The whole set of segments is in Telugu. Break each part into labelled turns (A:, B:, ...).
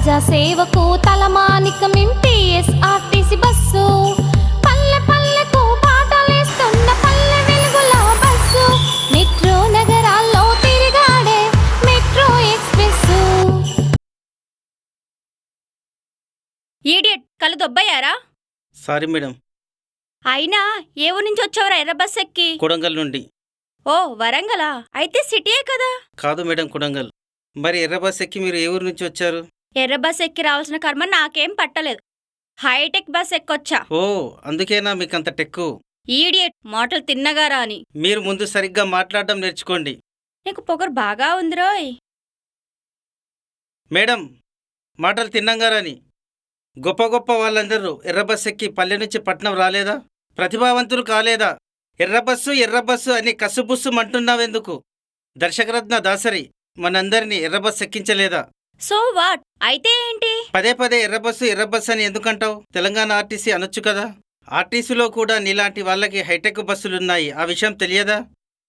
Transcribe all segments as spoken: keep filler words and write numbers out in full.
A: ప్రజా సేవకు తలమానికం టీఎస్ఆర్టీసీ బస్సు. పల్లె పల్లెకు పాటలేస్తున్న పల్లె వెలుగుల బస్సు. మెట్రో నగరాల్లో తిరిగాడే మెట్రో ఎక్స్ప్రెస్.
B: ఈడియట్, కళ్ళు దొబ్బయ్యారా?
C: Sorry madam.
B: అయినా ఏ ఊరి నుంచి వచ్చావురా ఎర్ర బస్ ఎక్కి?
C: కొడంగల్ నుండి.
B: ఓ వరంగలా? అయితే సిటీయే కదా.
C: కాదు మేడం, కొడంగల్. మరి ఎర్ర బస్ ఎక్కి మీరు ఏ ఊరు నుంచి వచ్చారు?
B: ఎర్ర బస్ ఎక్కి రావాల్సిన కర్మ నాకేం పట్టలేదు. Hitech bus ఎక్కొచ్చా.
C: ఓ అందుకేనా మీకంత టెక్కు?
B: ఈడియట్, మాటలు తిన్నగారా అని.
C: మీరు ముందు సరిగ్గా మాట్లాడడం నేర్చుకోండి.
B: నీకు పొగరు బాగా ఉందిరోయ్.
C: మేడం, మాటలు తిన్నంగారని. గొప్ప గొప్ప వాళ్ళందరూ ఎర్ర బస్ ఎక్కి పల్లె నుంచి పట్నం రాలేదా? ప్రతిభావంతులు కాలేదా? ఎర్రబస్సు ఎర్రబస్సు అని కసుబుస్సు మంటున్నావెందుకు? దర్శకరత్న దాసరి మనందరినీ ఎర్రబస్సు ఎక్కించలేదా?
B: So what? అయితే ఏంటి?
C: పదే పదే ఎర్రబస్సు ఎర్రబస్సు అని ఎందుకంటావు? తెలంగాణ ఆర్టీసీ అనొచ్చు కదా. ఆర్టీసీలో కూడా నీలాంటి వాళ్ళకి హైటెక్ బస్సులున్నాయి. ఆ విషయం తెలియదా?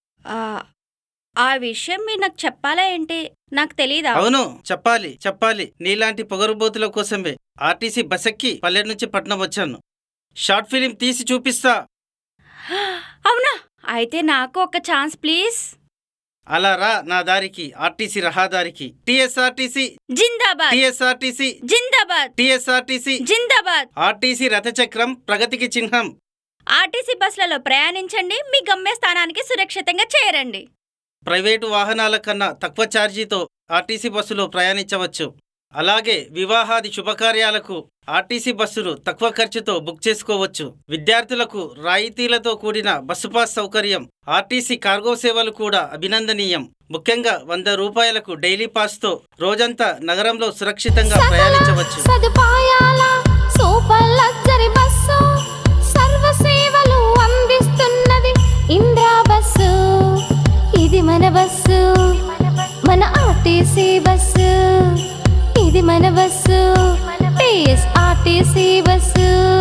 B: ఆ విషయం మీరు నాకు చెప్పాలా ఏంటి? నాకు తెలీదా?
C: అవును, చెప్పాలి చెప్పాలి. నీలాంటి పొగరుబోతుల కోసమే ఆర్టీసీ బస్ ఎక్కి పల్లె నుంచి పట్నం వచ్చాను. షార్ట్ ఫిలిం తీసి చూపిస్తా.
B: అవునా? అయితే నాకు ఒక ఛాన్స్ ప్లీజ్.
C: అలా రా నా దారికి, ఆర్టీసీ రహదారికి. టీఎస్ఆర్టీసీ
B: జిందాబాద్,
C: టీఎస్ఆర్టీసీ
B: జిందాబాద్,
C: టీఎస్ఆర్టీసీ
B: జిందాబాద్.
C: ఆర్టీసీ రథచక్రం ప్రగతికి చిహ్నం.
B: ఆర్టీసీ బస్సులలో ప్రయాణించండి, మీ గమ్యస్థానానికి సురక్షితంగా చేరండి.
C: ప్రైవేటు వాహనాల కన్నా తక్కువ ఛార్జీతో ఆర్టీసీ బస్సులో ప్రయాణించవచ్చు. అలాగే వివాహాది శుభకార్యాలకు ఆర్టీసీ బస్సులు తక్కువ ఖర్చుతో బుక్ చేసుకోవచ్చు. విద్యార్థులకు రాయితీలతో కూడిన బస్సు పాస్ సౌకర్యం. ఆర్టీసీ కార్గో సేవలు కూడా అభినందనీయం. ముఖ్యంగా వంద రూపాయలకు డైలీ పాస్తో రోజంతా నగరంలో సురక్షితంగా ప్రయాణించవచ్చు.
A: సదుపాయాల సూపర్ లగ్జరీ బస్సు, సర్వ సేవలు అందిస్తున్నది ఇంద్రా బస్సు. ఇది మన బస్సు, మన ఆర్టీసీ బస్సు. ఇది మన బస్సు, టీఎస్ఆర్టీసీ బస్సు.